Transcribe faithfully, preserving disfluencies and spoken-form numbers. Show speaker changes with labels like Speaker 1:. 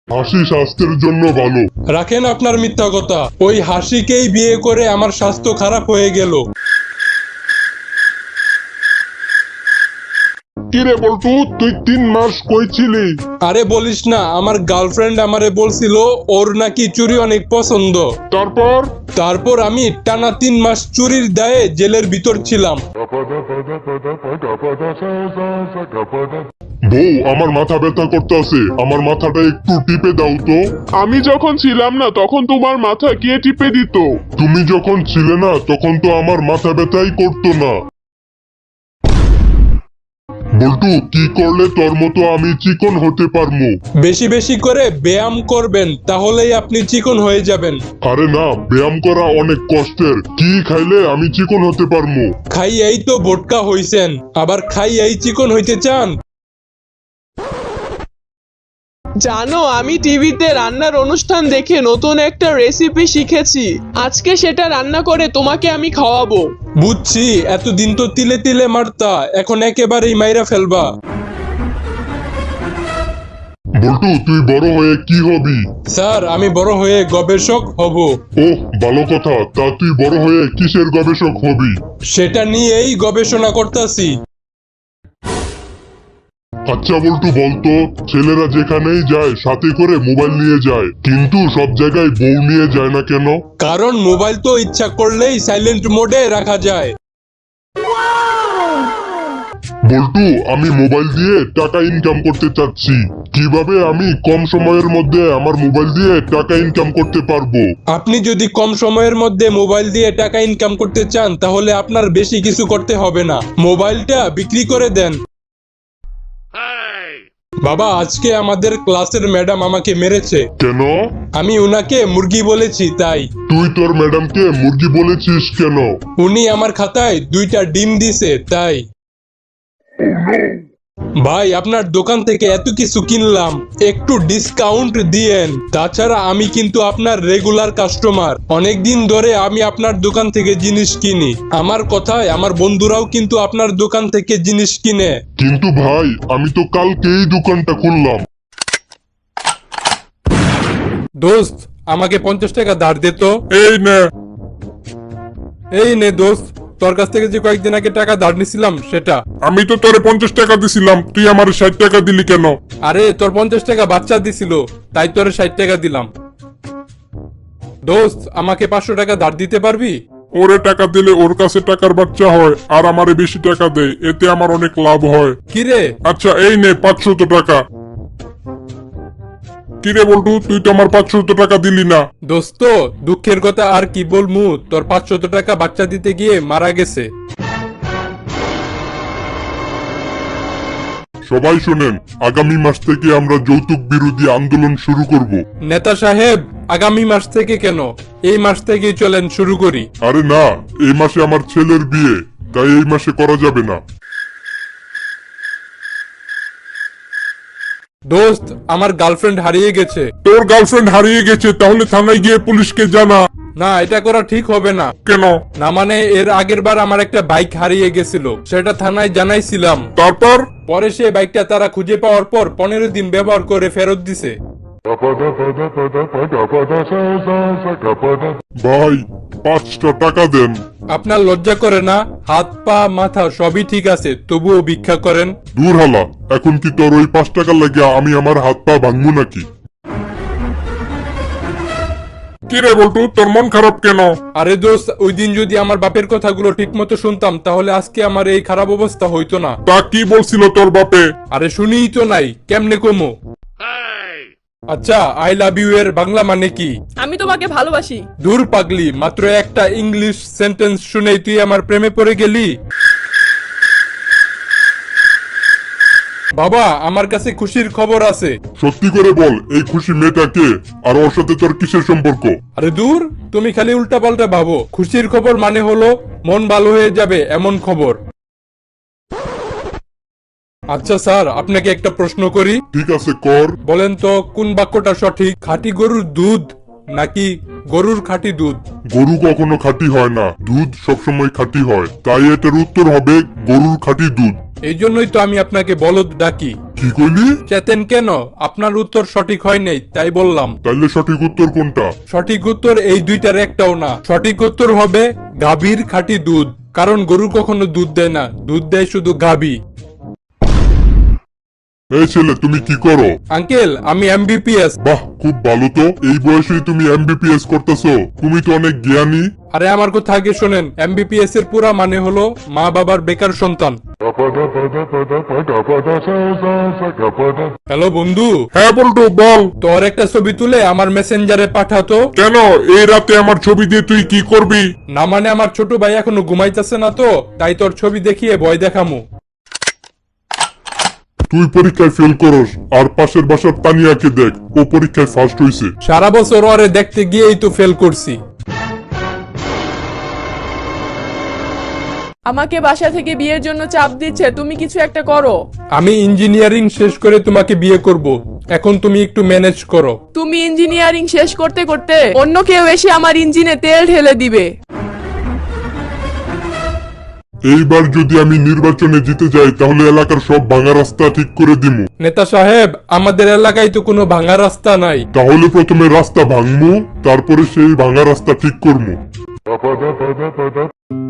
Speaker 1: হাসি স্বাস্থ্যের জন্য ভালো।
Speaker 2: রাখেন আপনার মিথ্যা কথা, ওই হাসিকেই বিয়ে করে আমার স্বাস্থ্য খারাপ হয়ে গেল।
Speaker 1: কিরে বল্টু, তুই তিন মাস কই ছিলি?
Speaker 2: আরে বলিস না, আমার গার্লফ্রেন্ড আমারে বলছিল ওর নাকি চুরি অনেক পছন্দ।
Speaker 1: তারপর
Speaker 2: তারপর আমি টানা তিন মাস চুরির দায়ে জেলের ভিতর ছিলাম।
Speaker 1: বউ, আমার মাথা ব্যথা করতেছে, আমার মাথাটা একটু টিপে দাও তো।
Speaker 3: আমি যখন ছিলাম না তখন তোমার মাথা কে টিপে দিত?
Speaker 1: তুমি যখন ছিলে না তখন তো আমার মাথা ব্যথাই করতো না। বল্টু, কি করলে তোর মতো আমি চিকন হতে পারবো?
Speaker 2: বেশি বেশি করে ব্যায়াম করবেন, তাহলেই আপনি চিকন হয়ে যাবেন।
Speaker 1: আরে না, ব্যায়াম করা অনেক কষ্টের। কি খাইলে আমি চিকন হতে পারবো?
Speaker 2: খাইয়াই তো বোটকা হইছেন, আবার খাইয়াই চিকন হইতে চান?
Speaker 4: জানো, আমি টিভিতে রান্নার অনুষ্ঠান দেখে নতুন একটা রেসিপি শিখেছি। আজকে সেটা রান্না করে তোমাকে আমি খাওয়াবো।
Speaker 2: বুঝছি, এতদিন তো তিলে তিলে মারতা, এখন একেবারেই মাইরা ফেলবা।
Speaker 1: বল্টু, তুই বড় হয়ে কি হবি?
Speaker 2: স্যার, আমি বড় হয়ে গবেষক হব।
Speaker 1: ওহ, ভালো কথা। তা তুই বড় হয়ে কিসের গবেষক হবি?
Speaker 2: সেটা নিয়েই গবেষণা করতেছি।
Speaker 1: আচ্ছা বল্টু, বলতো, ছেলেরা যেখানেই যায় সাথে করে মোবাইল নিয়ে যায়, কিন্তু সব জায়গায় বউ নিয়ে যায় না কেন?
Speaker 2: কারণ মোবাইল তো ইচ্ছা করলেই সাইলেন্ট মোডে রাখা যায়।
Speaker 1: বল্টু, আমি মোবাইল দিয়ে টাকা ইনকাম করতে চাচ্ছি। কিভাবে আমি কম সময়ের মধ্যে আমার মোবাইল দিয়ে টাকা ইনকাম করতে পারবো?
Speaker 2: আপনি যদি কম সময়ের মধ্যে মোবাইল দিয়ে টাকা ইনকাম করতে চান, তাহলে আপনার বেশি কিছু করতে হবে না, মোবাইলটা বিক্রি করে দেন। বাবা, আজকে আমাদের ক্লাসের ম্যাডাম আমাকে মেরেছে।
Speaker 1: কেন?
Speaker 2: আমি উনাকে মুরগি বলেছি তাই।
Speaker 1: তুই তোর ম্যাডামকে মুরগি বলেছিস কেন?
Speaker 2: উনি আমার খাতায় দুইটা ডিম দিছে তাই। ভাই, আপনার দোকান থেকে এত কিছু কিনলাম, একটু ডিসকাউন্ট দিয়েন। তাছাড়া আমি কিন্তু আপনার রেগুলার কাস্টমার, অনেক দিন ধরে আমি আপনার দোকান থেকে জিনিস কিনি। আমার কথায় আমার বন্ধুরাও কিন্তু আপনার দোকান থেকে জিনিস কিনে।
Speaker 1: কিন্তু ভাই, আমি তো কালকেই দোকানটা খুললাম।
Speaker 2: দোস্ত, আমাকে পঞ্চাশ টাকা ধার দে তো।
Speaker 1: এই নে।
Speaker 2: এই নে দোস্ত, তোর কাছ থেকে যে কয়েকদিন আগে টাকা ধার নিছিলাম সেটা।
Speaker 1: আমি তো তোরে পঞ্চাশ টাকা দিছিলাম, তুই আমার ষাট টাকা দিলি কেন?
Speaker 2: আরে, তোর পঞ্চাশ টাকা বাচ্চা দিছিল, তাই তোরে ষাট টাকা দিলাম। দোস্ত, আমাকে পাঁচশো টাকা ধার দিতে পারবি?
Speaker 1: ওরে টাকা দিলে ওর কাছে টাকার বাচ্চা হয়, আর আমারে বেশি টাকা দেয়, এতে আমার অনেক লাভ হয়।
Speaker 2: কিরে?
Speaker 1: আচ্ছা, এই নে পাঁচশত টাকা। কিরে বল্টু, তুই তো আমার পাঁচশত টাকা দিলি না।
Speaker 2: দোস্ত, দুঃখের কথা আর কি বলমু, তোর পাঁচশত টাকা বাচ্চা দিতে গিয়ে মারা গেছে।
Speaker 1: সবাই শোনেন, আগামী মাস থেকে আমরা যৌতুক বিরোধী আন্দোলন শুরু করব।
Speaker 2: নেতা সাহেব, আগামী মাস থেকে কেন, এই মাস থেকেই চলেন শুরু করি।
Speaker 1: আরে না, এই মাসে আমার ছেলের বিয়ে, তাই এই মাসে করা যাবে না।
Speaker 2: দোস্ত, আমার গার্লফ্রেন্ড হারিয়ে গেছে।
Speaker 1: তোর গার্লফ্রেন্ড হারিয়ে গেছে, তাহলে থানায় গিয়ে পুলিশকে জানা।
Speaker 2: না, এটা করা ঠিক হবে না।
Speaker 1: কেন?
Speaker 2: না মানে, এর আগের বার আমার একটা বাইক হারিয়ে গেছিল, সেটা থানায় জানাইছিলাম।
Speaker 1: তারপর?
Speaker 2: পরে সে বাইকটা তারা খুঁজে পাওয়ার পর পনেরো দিন ব্যবহার করে ফেরত দিছে।
Speaker 1: ভাই, পাঁচটা টাকা দেন।
Speaker 2: আপনার লজ্জা করে না? হাত পা মাথা সবই ঠিক আছে, তবুও ভিক্ষা করেন?
Speaker 1: দূর হালা, এখন কি তোর ওই পাঁচ টাকা লাগে আমি আমার হাত পা ভাঙবো নাকি? কিরে বল্টু, তোর মন খারাপ কেন?
Speaker 2: আরে দোস্ত, ওই দিন যদি আমার বাপের কথাগুলো ঠিক মতো শুনতাম, তাহলে আজকে আমার এই খারাপ অবস্থা হইতো না।
Speaker 1: তা কি বলছিল তোর বাপে?
Speaker 2: আরে শুনিই তো নাই, কেমনে কমো? আচ্ছা, আই লাভ ইউ এর বাংলা মানে কি?
Speaker 5: আমি তোমাকে ভালোবাসি।
Speaker 2: দূর পাগলি, মাত্র একটা ইংলিশ সেন্টেন্স শুনেই তুই আমার প্রেমে পড়ে গেলি? বাবা, আমার কাছে খুশির খবর আছে।
Speaker 1: সত্যি করে বল, এই খুশি মেয়েটা কে, আর ওর সাথে তোর কিসের সম্পর্ক?
Speaker 2: আরে দূর, তুমি খালি উল্টা পাল্টা ভাবো। খুশির খবর মানে হলো মন ভালো হয়ে যাবে এমন খবর। আচ্ছা স্যার, আপনাকে একটা প্রশ্ন করি।
Speaker 1: ঠিক আছে, কর।
Speaker 2: বলেন তো, কোন বাক্যটা সঠিক? খাঁটি গরুর দুধ নাকি গরুর খাঁটি দুধ?
Speaker 1: গরু কখনো খাঁটি হয় না, দুধ সবসময় খাঁটি হয়, তাই এটার উত্তর হবে গরুর খাঁটি দুধ।
Speaker 2: এই জন্যই তো আমি আপনাকে বলদ ডাকি।
Speaker 1: কি কইলি?
Speaker 2: চেতেন কেন? আপনার উত্তর সঠিক হয় নাই তাই বললাম।
Speaker 1: তাইলে সঠিক উত্তর কোনটা?
Speaker 2: সঠিক উত্তর এই দুইটার একটাও না। সঠিক উত্তর হবে গাভীর খাঁটি দুধ, কারণ গরু কখনো দুধ দেয় না, দুধ দেয় শুধু গাভী।
Speaker 1: এই ছেলে, তুমি কি করো?
Speaker 2: আঙ্কেল, আমি এমবিপিএস।
Speaker 1: বাহ, খুব ভালো তো। এই বয়সেই তুমি এমবিপিএস করতেছো, তুমি তো অনেক জ্ঞানী।
Speaker 2: আরে আমার কথা আগে শোনেন, এমবিপিএস এর পুরা মানে হলো মা বাবার বেকার সন্তান। হ্যালো বন্ধু।
Speaker 1: হ্যাঁ বলতো, বল।
Speaker 2: তোর একটা ছবি তুলে আমার মেসেঞ্জারে পাঠাতো।
Speaker 1: কেন এই রাতে আমার ছবি দিয়ে তুই কি করবি?
Speaker 2: না মানে আমার ছোট ভাই এখনো ঘুমাইতেছে না তো, তাই তোর ছবি দেখিয়ে ভয় দেখামু।
Speaker 1: তুই পরীক্ষায় ফেল করস, আর পাশের বাসার তানিয়াকে দেখ, ও পরীক্ষায় ফার্স্ট হইছে।
Speaker 2: সারা বছর ওরে দেখতে গিয়েই তো ফেল করছি।
Speaker 5: আমাকে বাসা থেকে বিয়ের জন্য চাপ দিচ্ছে, তুমি কিছু একটা করো।
Speaker 2: আমি ইঞ্জিনিয়ারিং শেষ করে তোমাকে বিয়ে করব, এখন তুমি একটু ম্যানেজ করো।
Speaker 5: তুমি ইঞ্জিনিয়ারিং শেষ করতে করতে অন্য কেউ এসে আমার ইঞ্জিনে তেল ঢেলে দিবে।
Speaker 1: এইবার যদি আমি নির্বাচনে জিতে যাই তাহলে এলাকার সব ভাঙা রাস্তা ঠিক করে দিমু।
Speaker 2: নেতা সাহেব, আমাদের এলাকায় তো কোনো ভাঙা রাস্তা নাই।
Speaker 1: তাহলে প্রথমে রাস্তা ভাঙমু, তারপরে সেই ভাঙা রাস্তা ঠিক করমু।